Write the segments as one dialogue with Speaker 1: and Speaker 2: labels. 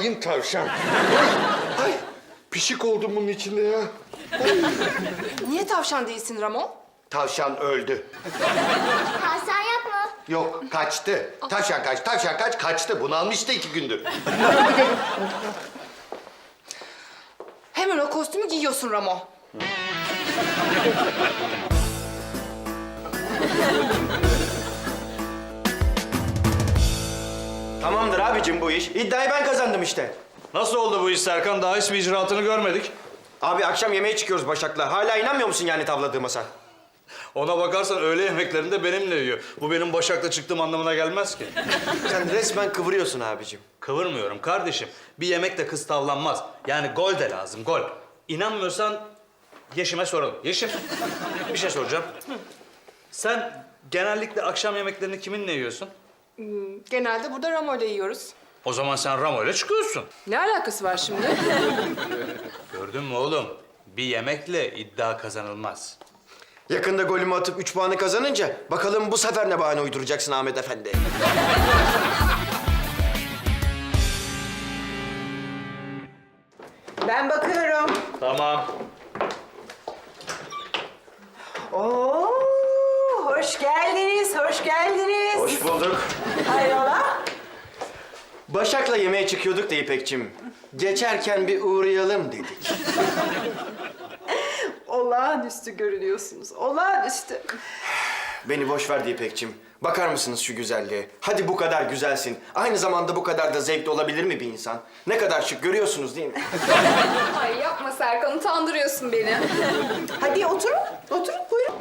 Speaker 1: Hain tavşan. Ay, pişik oldum bunun içinde ya.
Speaker 2: Niye tavşan değilsin Ramon?
Speaker 1: Tavşan öldü.
Speaker 3: Hasan yapma.
Speaker 1: Yok, kaçtı. Tavşan kaç, tavşan kaç, kaçtı. Bunalmıştı 2 gündür.
Speaker 2: Hemen o kostümü giyiyorsun Ramon.
Speaker 4: Tamamdır abicim bu iş. İddiayı ben kazandım işte.
Speaker 5: Nasıl oldu bu iş Serkan? Daha hiçbir icraatını görmedik.
Speaker 4: Abi akşam yemeğe çıkıyoruz Başak'la. Hala inanmıyor musun yani tavladığıma sen?
Speaker 5: Ona bakarsan öğle yemeklerini de benimle yiyor. Bu benim Başak'la çıktığım anlamına gelmez ki.
Speaker 4: Sen resmen kıvırıyorsun abicim.
Speaker 5: Kıvırmıyorum kardeşim. Bir yemekle kız tavlanmaz. Yani gol de lazım, gol. İnanmıyorsan Yeşim'e soralım. Yeşim, bir şey soracağım. Sen genellikle akşam yemeklerini kiminle yiyorsun?
Speaker 2: Genelde burada Ramo'yla yiyoruz.
Speaker 5: O zaman sen Ramo'yla çıkıyorsun.
Speaker 2: Ne alakası var şimdi?
Speaker 5: Gördün mü oğlum? Bir yemekle iddia kazanılmaz.
Speaker 4: Yakında golümü atıp 3 puanı kazanınca bakalım bu sefer ne bahane uyduracaksın Ahmet Efendi.
Speaker 6: Ben bakıyorum.
Speaker 5: Tamam.
Speaker 6: Oo, hoş geldiniz, hoş geldiniz.
Speaker 4: Hoş bulduk.
Speaker 6: Hayrola?
Speaker 4: Başak'la yemeğe çıkıyorduk da İpekçim. Geçerken bir uğrayalım dedik.
Speaker 6: Olağanüstü görünüyorsunuz, olağanüstü.
Speaker 4: Beni boş ver İpekçim. Bakar mısınız şu güzelliğe? Hadi bu kadar güzelsin. Aynı zamanda bu kadar da zevkli olabilir mi bir insan? Ne kadar şık görüyorsunuz değil mi?
Speaker 2: Ay yapma Serkan, utandırıyorsun beni.
Speaker 6: Hadi oturun, oturun buyurun.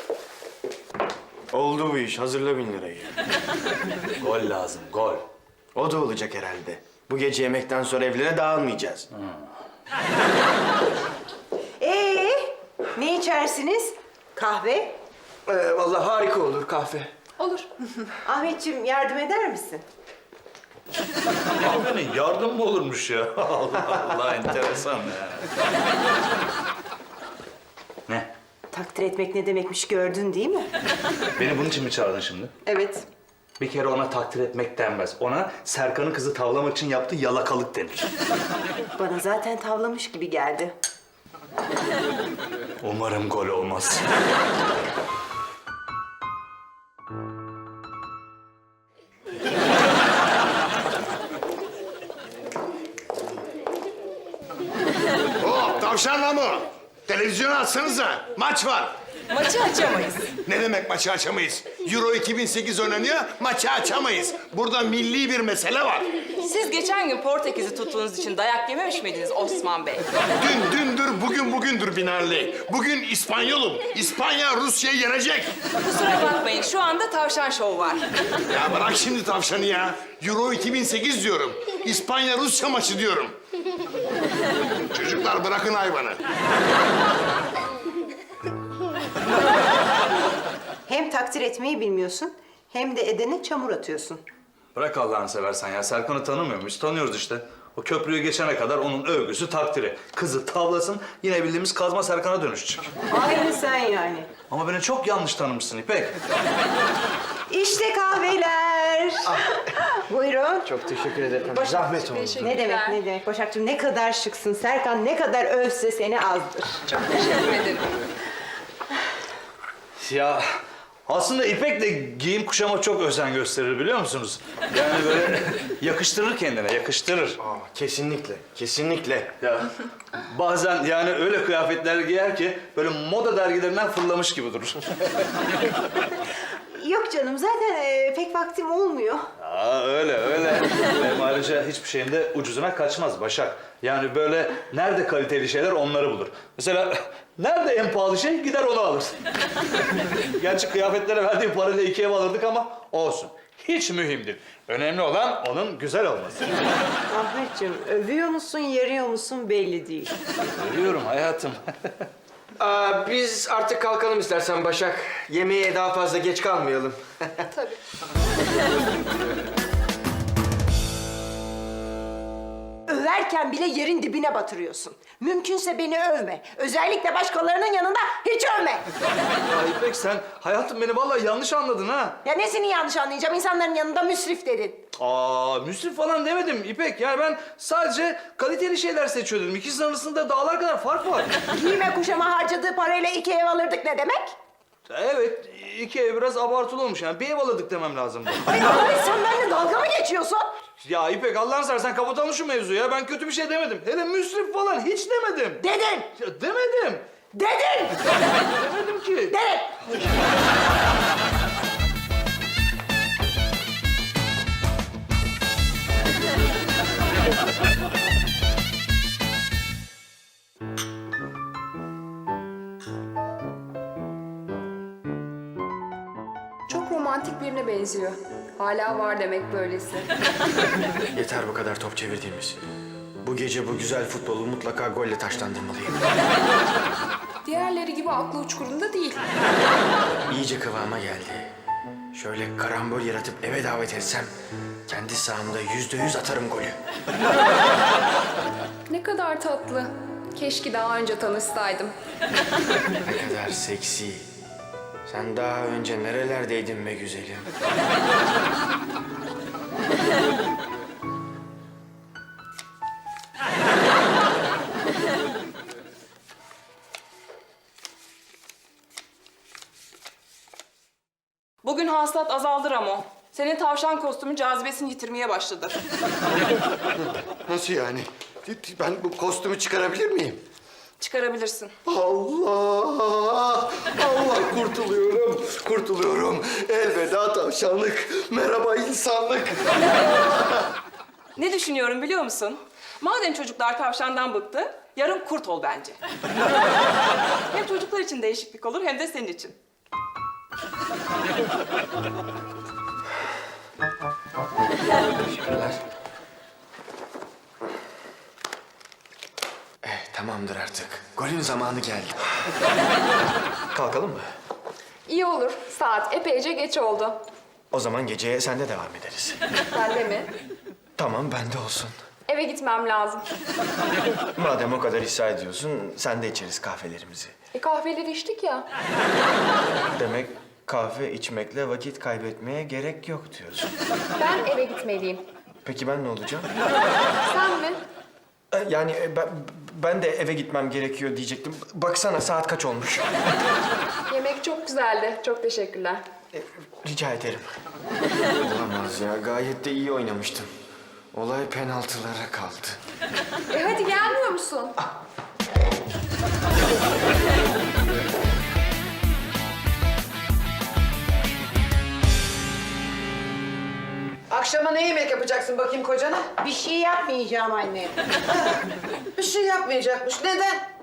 Speaker 4: Oldu bu iş. Hazırla 1000 lirayı.
Speaker 5: Gol lazım, gol.
Speaker 4: O da olacak herhalde. Bu gece yemekten sonra evlere dağılmayacağız.
Speaker 6: Ne içersiniz? Kahve?
Speaker 4: Vallahi harika olur kahve.
Speaker 2: Olur.
Speaker 6: Ahmetciğim yardım eder misin?
Speaker 5: Kahvenin yardım mı olurmuş ya? Allah Allah, enteresan ya. Ne?
Speaker 6: Takdir etmek ne demekmiş gördün değil mi?
Speaker 5: Beni bunun için mi çağırdın şimdi?
Speaker 6: Evet.
Speaker 5: Bir kere ona takdir etmek denmez. Ona Serkan'ın kızı tavlamak için yaptığı yalakalık denir.
Speaker 6: Bana zaten tavlamış gibi geldi.
Speaker 5: Umarım gol olmaz.
Speaker 1: Hop, tavşanla mı? Televizyonu açsanıza. Maç var.
Speaker 2: Maçı açamayız.
Speaker 1: Ne demek maçı açamayız? Euro 2008 oynanıyor, maçı açamayız. Burada milli bir mesele var.
Speaker 2: Siz geçen gün Portekiz'i tuttuğunuz için dayak yememiş miydiniz Osman Bey?
Speaker 1: Dün dündür, bugün bugündür Binarlı. Bugün İspanyolum. İspanya Rusya'yı yenecek.
Speaker 2: Kusura bakmayın, şu anda tavşan şovu var.
Speaker 1: Ya bırak şimdi tavşanı ya. Euro 2008 diyorum. İspanya Rusya maçı diyorum. Çocuklar bırakın hayvanı.
Speaker 6: Hem takdir etmeyi bilmiyorsun, hem de edene çamur atıyorsun.
Speaker 5: Bırak Allah'ını seversen ya. Serkan'ı tanımıyor muyuz? Tanıyoruz işte. O köprüyü geçene kadar onun övgüsü, takdiri. Kızı tavlasın, yine bildiğimiz kazma Serkan'a dönüşecek.
Speaker 6: Aynı sen yani.
Speaker 5: Ama beni çok yanlış tanımışsın İpek.
Speaker 6: İşte kahveler. Buyurun.
Speaker 4: Çok teşekkür ederim. Zahmet oldu.
Speaker 6: Ne demek, ne demek? Başakcığım ne kadar şıksın. Serkan ne kadar övse seni azdır.
Speaker 2: Teşekkür ederim.
Speaker 5: Ya aslında İpek de giyim kuşama çok özen gösterir biliyor musunuz? Yani böyle yakıştırır kendine, yakıştırır.
Speaker 4: Aa, kesinlikle, kesinlikle.
Speaker 5: Ya bazen yani öyle kıyafetler giyer ki böyle moda dergilerinden fırlamış gibi durur.
Speaker 6: Yok canım, zaten pek vaktim olmuyor.
Speaker 5: Aa öyle öyle. Hem ayrıca hiçbir şeyin de ucuzuna kaçmaz Başak. Yani böyle nerede kaliteli şeyler onları bulur. Mesela nerede en pahalı şey gider onu alır. Gerçi kıyafetlere verdiği parayla 2 ev alırdık ama olsun. Hiç mühim değil. Önemli olan onun güzel olması.
Speaker 6: Ahmetciğim, övüyor musun, yarıyor musun belli değil.
Speaker 5: Görüyorum hayatım.
Speaker 4: Biz artık kalkalım istersen Başak. Yemeğe daha fazla geç kalmayalım.
Speaker 2: Tabii.
Speaker 6: överken bile yerin dibine batırıyorsun. Mümkünse beni övme. Özellikle başkalarının yanında hiç övme.
Speaker 5: Ya İpek sen hayatım beni vallahi yanlış anladın ha.
Speaker 6: Ya nesini yanlış anlayacağım? İnsanların yanında müsrif dedin.
Speaker 5: Müsrif falan demedim İpek. Yani ben sadece kaliteli şeyler seçiyor dedim. İkisinin arasında dağlar kadar fark var.
Speaker 6: Giyime kuşama harcadığı parayla 2 ev alırdık ne demek?
Speaker 5: Evet, 2 ev biraz abartılı olmuş yani. Bir ev alırdık demem lazımdı.
Speaker 6: Ay Ahmet sen benimle dalga mı geçiyorsun?
Speaker 5: Ya İpek Allah'ını seversen kapatalım şu mevzuyu ya. Ben kötü bir şey demedim. Hele müsrif falan hiç demedim.
Speaker 6: Dedin!
Speaker 5: Ya demedim.
Speaker 6: Dedin!
Speaker 5: Demedim ki.
Speaker 6: Dedin!
Speaker 7: Çok romantik birine benziyor. Hala var demek böylesi.
Speaker 4: Yeter bu kadar top çevirdiğimiz. Bu gece bu güzel futbolu mutlaka golle taşlandırmalıyım.
Speaker 7: Diğerleri gibi aklı uçkurunda değil.
Speaker 4: İyice kıvama geldi. Şöyle karambol yaratıp eve davet etsem... ...kendi sahamda %100 atarım golü.
Speaker 7: Ne kadar tatlı. Keşke daha önce tanışsaydım.
Speaker 4: Ne kadar seksi. Sen daha önce nerelerdeydin be güzelim?
Speaker 2: Bugün hasılat azaldı Ramo. Senin tavşan kostümü cazibesini yitirmeye başladı.
Speaker 1: Nasıl yani? Ben bu kostümü çıkarabilir miyim?
Speaker 2: Çıkarabilirsin.
Speaker 1: Allah! Allah kurtuluyorum, kurtuluyorum. Elveda tavşanlık, merhaba insanlık.
Speaker 2: Ne düşünüyorum biliyor musun? Madem çocuklar tavşandan bıktı, yarın kurt ol bence. Hem çocuklar için değişiklik olur hem de senin için.
Speaker 4: Teşekkürler. Tamamdır artık. Golün zamanı geldi. Kalkalım mı?
Speaker 7: İyi olur. Saat epeyce geç oldu.
Speaker 4: O zaman geceye sende devam ederiz.
Speaker 7: Bende mi?
Speaker 4: Tamam, bende olsun.
Speaker 7: Eve gitmem lazım.
Speaker 4: Madem o kadar ısrar ediyorsun, sen de içeriz kahvelerimizi.
Speaker 7: Kahveleri içtik ya.
Speaker 4: Demek kahve içmekle vakit kaybetmeye gerek yok diyorsun.
Speaker 7: Ben eve gitmeliyim.
Speaker 4: Peki ben ne olacağım?
Speaker 7: Sen mi?
Speaker 4: Yani ben de eve gitmem gerekiyor diyecektim. Baksana saat kaç olmuş.
Speaker 7: Yemek çok güzeldi. Çok teşekkürler.
Speaker 4: Rica ederim. Olamaz ya, gayet de iyi oynamıştım. Olay penaltılara kaldı.
Speaker 7: Hadi gelmiyor musun?
Speaker 8: Akşama ne yemek yapacaksın bakayım kocana?
Speaker 6: Bir şey yapmayacağım anne.
Speaker 8: Bir şey yapmayacakmış. Neden?